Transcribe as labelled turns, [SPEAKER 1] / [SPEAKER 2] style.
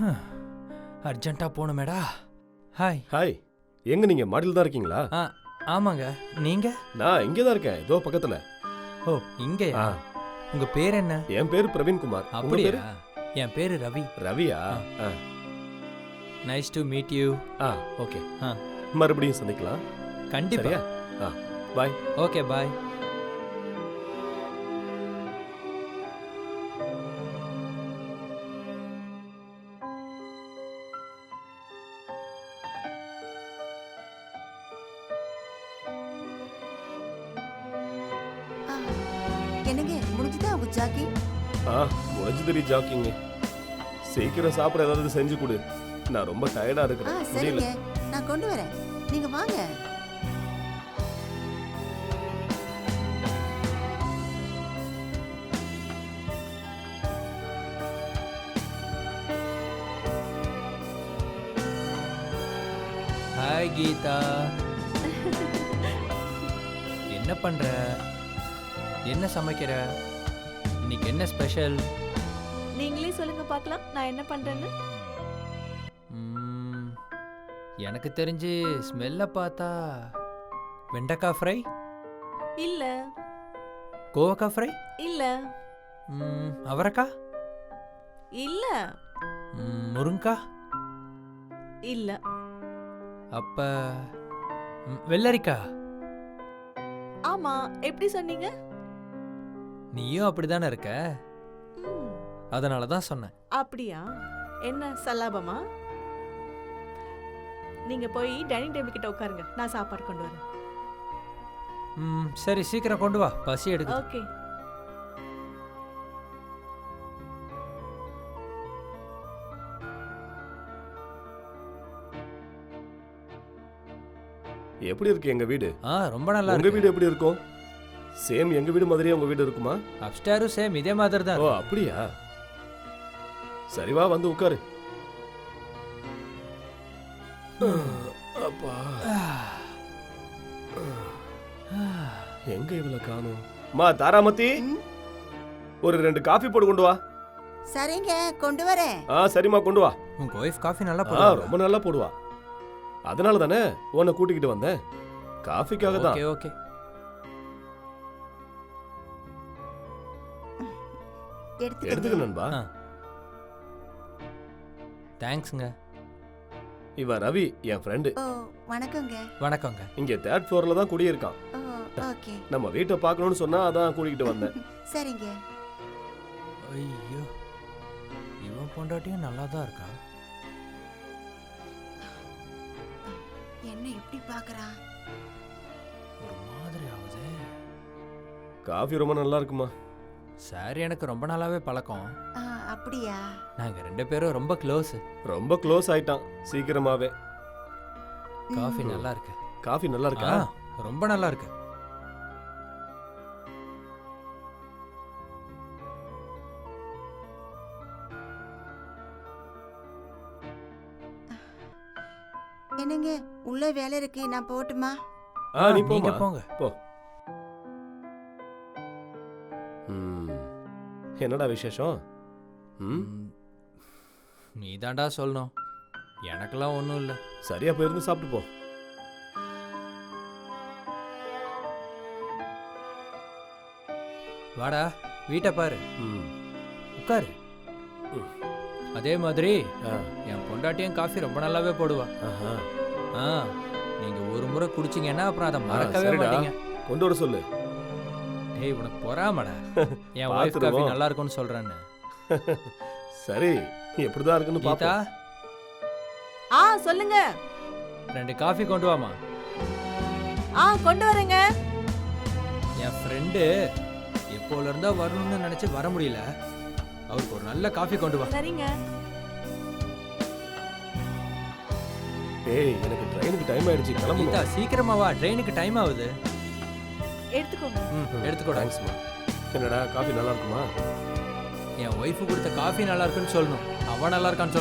[SPEAKER 1] அர்ஜென்ட்டா போகணுமேடா. Hi.
[SPEAKER 2] Hi, எங்க நீங்க மாடியில் தான் இருக்கீங்களா?
[SPEAKER 1] ஆமாங்க. நீங்க?
[SPEAKER 2] நான் இங்கே தான் இருக்கேன், இதோ பக்கத்துல.
[SPEAKER 1] ஓ, இங்கயா? உங்க பேர் என்ன?
[SPEAKER 2] என் பேர் பிரவீன்குமார்.
[SPEAKER 1] அப்படியா? என் பேரு ரவி.
[SPEAKER 2] ரவியா?
[SPEAKER 1] Nice to meet you.
[SPEAKER 2] Okay, மறுபடியும் சந்திக்கலாம்.
[SPEAKER 1] கண்டிப்பா.
[SPEAKER 2] பாய்.
[SPEAKER 1] Okay, bye.
[SPEAKER 3] என்னங்க முடிஞ்சுதா உங்க ஜாக்கிங்?
[SPEAKER 2] முடிஞ்சு ஜாக்கிங். சீக்கிரம் சாப்பிட ஏதாவது செஞ்சு கொடு, நான் ரொம்ப டயர்டா இருக்கிறேன்.
[SPEAKER 3] சரிங்க, நான் கொண்டு வரேன், நீங்க வாங்க.
[SPEAKER 1] ஹாய் கீதா. என்ன பண்ற? என்ன சமைக்கிற? இன்னைக்கு என்ன ஸ்பெஷல்?
[SPEAKER 4] நீங்களே சொல்லுங்க பார்க்கலாம், நான் என்ன பண்றேன்னு.
[SPEAKER 1] எனக்கு தெரிஞ்சு ஸ்மெல்ல பார்த்தா வெண்டைக்காய் ஃப்ரை
[SPEAKER 4] இல்ல.
[SPEAKER 1] கோவக்காய் ஃப்ரை
[SPEAKER 4] இல்ல.
[SPEAKER 1] அவரைக்காய்
[SPEAKER 4] இல்ல.
[SPEAKER 1] முருங்காய்
[SPEAKER 4] இல்ல.
[SPEAKER 1] அப்ப வெள்ளரிக்காய்.
[SPEAKER 4] ஆமா, எப்படி சொன்னீங்க?
[SPEAKER 1] நீயும் அப்படிதானே இருக்க, அதனால தான் சொன்னேன்.
[SPEAKER 4] அப்படியா? என்ன சல்லாபமா? நீங்க போய் டைனிங் டேபிள் கிட்ட உட்காருங்க, நான் சாப்பாடு கொண்டு வரேன்.
[SPEAKER 1] சரி, சீக்கிரம் கொண்டு வா, பசி எடுக்கு.
[SPEAKER 4] ஓகே.
[SPEAKER 2] எப்படி இருக்கு எங்க வீடு?
[SPEAKER 1] ரொம்ப நல்லா
[SPEAKER 2] இருக்கு. உங்க வீடு எப்படி இருக்கும்? சேம் எங்க வீடு மாதிரியே உங்க வீடு இருக்குமா?
[SPEAKER 1] அப்ஸ்டேரும் சேம் இதே மாதிரி தான்.
[SPEAKER 2] ஓ, அப்படியா? சரி, வா வந்து உட்காரு. அப்பா, எங்க இவள காணோம்? மா தாராமதி, ஒரு 2 காஃபி போட்டு கொண்டு வா.
[SPEAKER 3] சரிங்க, கொண்டு வரேன்.
[SPEAKER 2] சரிம்மா, கொண்டு வா.
[SPEAKER 1] உங்க ஒய்ஃப் காஃபி நல்லா போடுவா.
[SPEAKER 2] ரொம்ப நல்லா போடுவா, அதனால தானே உன்னை கூட்டிக்கிட்டு வந்தேன், காஃபிக்காக தான்.
[SPEAKER 1] Okay okay.
[SPEAKER 2] எடுத்துக்க நண்பா.
[SPEAKER 1] தேங்க்ஸ்ங்க.
[SPEAKER 2] இவ ரவி, என் ஃப்ரெண்டு.
[SPEAKER 3] வணக்கங்க.
[SPEAKER 1] வணக்கங்க.
[SPEAKER 2] இங்க 3rd ஃப்ளோர்ல தான் குடியிருக்கான்.
[SPEAKER 3] ஓகே.
[SPEAKER 2] நம்ம வீட்டை பார்க்கணும்னு சொன்னா அதான் கூட்டிக்கிட்டு வந்தேன்.
[SPEAKER 3] சரிங்க.
[SPEAKER 1] ஐயோ, இவன் பொண்டாட்டியும் நல்லா தான் இருக்கா.
[SPEAKER 3] என்ன இப்படி பார்க்கறான்?
[SPEAKER 1] ஒரு மாதிரி ஆகுது.
[SPEAKER 2] காஃபி ரொம்ப நல்லா இருக்குமா?
[SPEAKER 1] சார், எனக்கு ரொம்ப நாளாவே பழக்கம்.
[SPEAKER 3] அப்படியா?
[SPEAKER 1] நாங்க 2 பேரும் ரொம்ப க்ளோஸ்.
[SPEAKER 2] ரொம்ப க்ளோஸ் ஆயிட்டான் சீக்கிரமாவே.
[SPEAKER 1] காஃபி நல்லா இருக்கு.
[SPEAKER 2] காஃபி நல்லா இருக்கா?
[SPEAKER 1] ரொம்ப நல்லா இருக்கு.
[SPEAKER 3] என்னங்க, உள்ள வேலை இருக்கு, நான் போட்டுமா?
[SPEAKER 2] நீ
[SPEAKER 1] போங்க போங்க
[SPEAKER 2] போ. என்னடா விசேஷம்?
[SPEAKER 1] நீ தாண்டா சொல்லணும், எனக்கெல்லாம் ஒன்றும் இல்லை.
[SPEAKER 2] சரியா போயிருந்து சாப்பிட்டு போ.
[SPEAKER 1] வாடா, வீட்டை பாரு, உட்காரு. அதே மாதிரி என் பொண்டாட்டியும் காஃபி ரொம்ப நல்லாவே போடுவா. நீங்க ஒரு முறை குடிச்சிங்கன்னா அப்புறம் அதை மறக்கவே மாட்டீங்க.
[SPEAKER 2] கொண்டு வர சொல்லு.
[SPEAKER 1] டேய், உனக்கு பொறாமடா, என் வைஃப் காஃபி நல்லா இருக்கும்னு சொல்றேன்னு.
[SPEAKER 2] சரி, எப்படிதான் இருக்குன்னு பாத்தா.
[SPEAKER 4] சொல்லுங்க.
[SPEAKER 1] 2 காஃபி கொண்டு வாமா.
[SPEAKER 4] கொண்டு வரேங்க.
[SPEAKER 1] என் ஃப்ரெண்டு எப்போல இருந்தா வரணும்னு நினைச்சு வர முடியல, அவருக்கு ஒரு நல்ல காஃபி கொண்டு வா.
[SPEAKER 4] சரிங்க.
[SPEAKER 2] ஏய், எனக்கு ட்ரெயினுக்கு டைம் ஆயிடுச்சு, கிளம்பணும்.
[SPEAKER 1] சீக்கிரமா வா, ட்ரெயினுக்கு டைம் ஆகுது.
[SPEAKER 4] எடுத்துக்கோங்க.
[SPEAKER 1] எடுத்துக்கோ.
[SPEAKER 2] தேங்க்ஸ்மா. என்னடா, காஃபி நல்லா இருக்குமா?
[SPEAKER 1] என் ஒய்ஃபு கொடுத்த காஃபி நல்லா இருக்குன்னு சொல்லணும், அவன் நல்லா இருக்கான்னு சொல்ல.